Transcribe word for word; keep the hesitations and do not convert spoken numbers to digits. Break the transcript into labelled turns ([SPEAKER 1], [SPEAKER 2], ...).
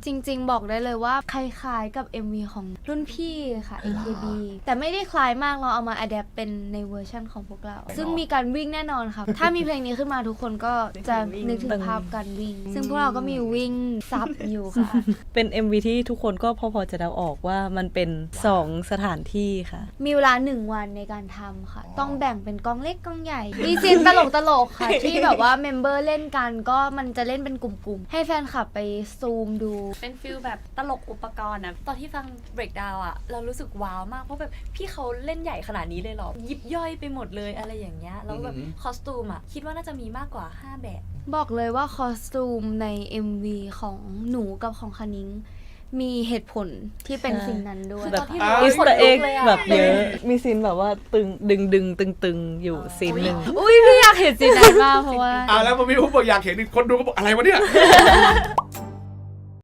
[SPEAKER 1] จริงๆบอกได้เลยว่าคล้ายๆกับ เอ็ม วี ของรุ่นพี่ค่ะ เอ เค บี แต่ไม่ได้คล้ายมากเราเอามาอัดแอปเป็นในเวอร์ชั่นของพวกเราซึ่งมีการวิ่งแน่นอนค่ะถ้ามีเพลงนี้ขึ้นมาทุกคนก็จะนึกถึงภาพการวิ่งซึ่งพวกเราก็มีวิ่งซับอยู่ค่ะ
[SPEAKER 2] เป็น เอ็ม วี ที่ทุกคนก็พอๆจะเดาออกว่ามันเป็นสองสถานที่ค่ะ
[SPEAKER 1] มีเวลาหนึ่งวันในการทำค่ะต้องแบ่งเป็นกองเล็กกองใหญ่มีซีนตลกตลกค่ะ ที่แบบว่าเมมเบอร์เล่นกันก็มันจะเล่นเป็นกลุ่มๆให้แฟนคลับไปซูมดู
[SPEAKER 3] เป็นฟิลแบบตลกอุปกรณ์นะตอนที่ฟัง breakdown อ่ะเรารู้สึกว้าวมากเพราะแบบพี่เขาเล่นใหญ่ขนาดนี้เลยหรอยิบย่อยไปหมดเลยอะไรอย่างเงี้ยแล้วแบบคอสตูมอ่ะคิดว่าน่าจะมีมากกว่าห้าแบบ
[SPEAKER 1] บอกเลยว่าคอสตูมใน เอ็ม วี ของหนูกับของคณิ้งมีเหตุผลที่เป็นสิ่งนั้นด้วย
[SPEAKER 2] แบบอิสต์เอ็กแบบเยอะมีซีนแบบว่าตึงดึงดึงตึงตึงอยู่ซีนหนึ่ง
[SPEAKER 1] อุ้ยพี่อยากเห็นซีนนั้นมากเพราะว่า
[SPEAKER 4] อ่าแล้วพอพี่พูดบอกอยากเห็นคนดูก็บอกอะไรวะเนี่ย